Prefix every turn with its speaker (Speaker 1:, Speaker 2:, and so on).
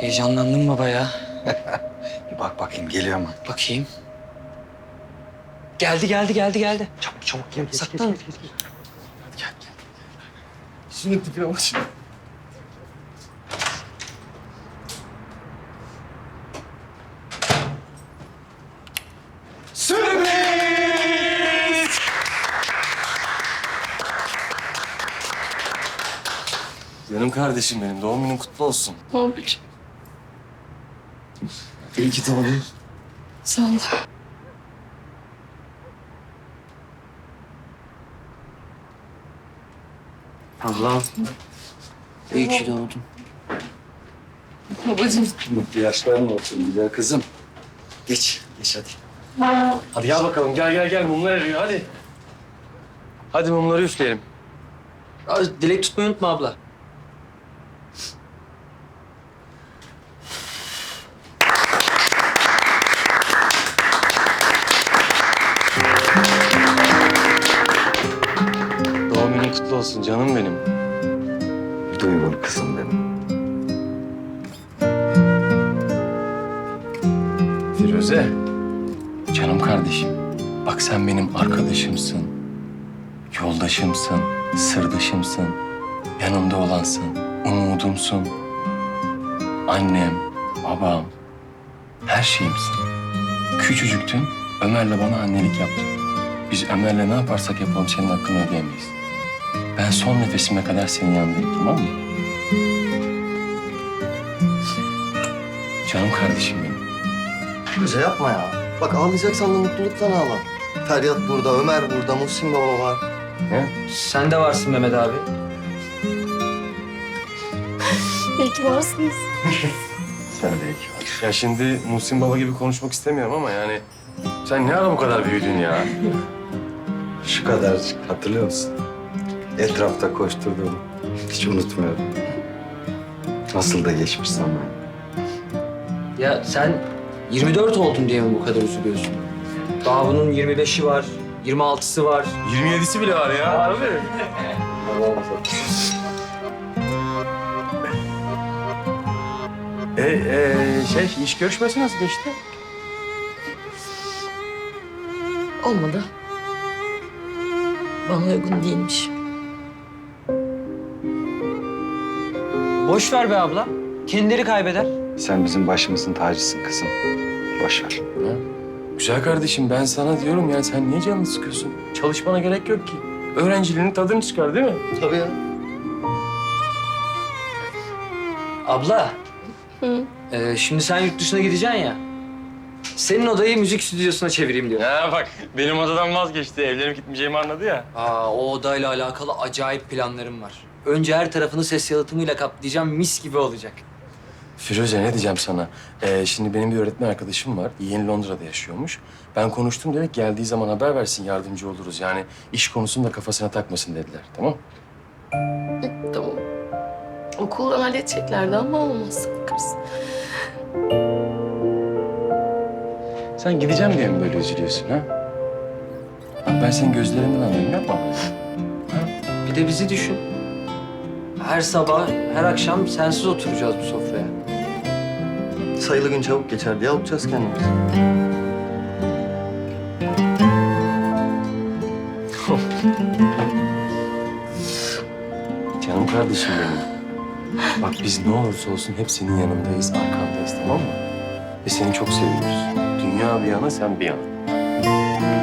Speaker 1: Heyecanlandın baba ya.
Speaker 2: Bir bak bakayım geliyor mu?
Speaker 1: Bakayım. Geldi.
Speaker 2: Çabuk çabuk gel.
Speaker 1: Saklan.
Speaker 2: Gel. Şunun tipine bak şimdi. Sürpriz!
Speaker 3: Canım kardeşim benim, doğum günün kutlu olsun.
Speaker 4: Babacığım,
Speaker 2: İyi ki doğdun.
Speaker 4: sağ ol.
Speaker 1: Ablam. İyi ki doğdun.
Speaker 4: Babacığım.
Speaker 2: Mutlu yaşların olsun güzel kızım. Geç hadi.
Speaker 3: Hadi gel bakalım, gel. Mumlar eriyor, hadi. Hadi mumları üfleyelim.
Speaker 1: Dilek tutmayı unutma abla.
Speaker 3: Doğum günün kutlu olsun canım benim.
Speaker 2: Duygulu kızım benim.
Speaker 3: Firuze, canım kardeşim. Bak sen benim arkadaşımsın, yoldaşımsın, sırdaşımsın, yanımda olansın, umudumsun. Annem, babam, her şeyimsin. Küçücüktün, Ömer'le bana annelik yaptın. Biz Ömer'le ne yaparsak yapalım senin hakkını ödeyemeyiz. Ben son nefesime kadar senin yanındayım, tamam mı? Canım kardeşim benim.
Speaker 5: Firuze yapma ya. Bak ağlayacaksan da mutluluktan ağla. Feryat burada, Ömer burada, Muhsin baba var.
Speaker 1: Sen de varsın Mehmet abi.
Speaker 4: İyi ki varsınız.
Speaker 2: Sen de iyi ki var.
Speaker 3: Ya şimdi Muhsin Baba gibi konuşmak istemiyorum ama yani... Sen ne ara bu kadar büyüdün ya?
Speaker 2: Şu kadarcık hatırlıyor musun? Etrafta koşturduğumu hiç unutmuyorum. Nasıl da geçmiş zaman.
Speaker 1: Ya sen 24 oldun diye mi bu kadar üzülüyorsun? Daha bunun 25'i var, 26'sı var.
Speaker 3: 27'si bile var ya. Harbi. İş görüşmesi nasıl geçti?
Speaker 4: Olmadı. Bana uygun değilmiş.
Speaker 1: Boş ver be abla. Kendileri kaybeder.
Speaker 2: Sen bizim başımızın tacısın kızım. Boş ver.
Speaker 3: Ha? Güzel kardeşim ben sana diyorum yani sen niye canını sıkıyorsun? Çalışmana gerek yok ki. Öğrenciliğinin tadını çıkar değil mi?
Speaker 5: Tabii ya.
Speaker 1: Abla.
Speaker 4: Hı.
Speaker 1: Şimdi sen yurt dışına gideceksin ya. Senin odayı müzik stüdyosuna çevireyim diyor.
Speaker 3: Ya bak benim odadan vazgeçti. Evlenip gitmeyeceğimi anladı ya.
Speaker 1: O odayla alakalı acayip planlarım var. Önce her tarafını ses yalıtımıyla kaplayacağım, mis gibi olacak.
Speaker 3: Firuze ne diyeceğim sana? Şimdi benim bir öğretmen arkadaşım var. Yeni Londra'da yaşıyormuş. Ben konuştum dedik geldiği zaman haber versin yardımcı oluruz. Yani iş konusunu da kafasına takmasın dediler. Tamam?
Speaker 4: Tamam. Okuldan halledeceklerdi ama olmaz. Bakarız.
Speaker 3: Sen gideceğim diye mi böyle üzülüyorsun ha? Bak ben senin gözlerinden anlıyorum yapma.
Speaker 1: Bir de bizi düşün. Her sabah, her akşam sensiz oturacağız bu sofraya.
Speaker 5: Sayılı gün çabuk geçer diye avutacağız kendimizi.
Speaker 3: Canım kardeşim benim. Bak biz ne olursa olsun hep senin yanındayız, arkandayız tamam mı? Ve seni çok seviyoruz. Dünya bir yana, sen bir yana.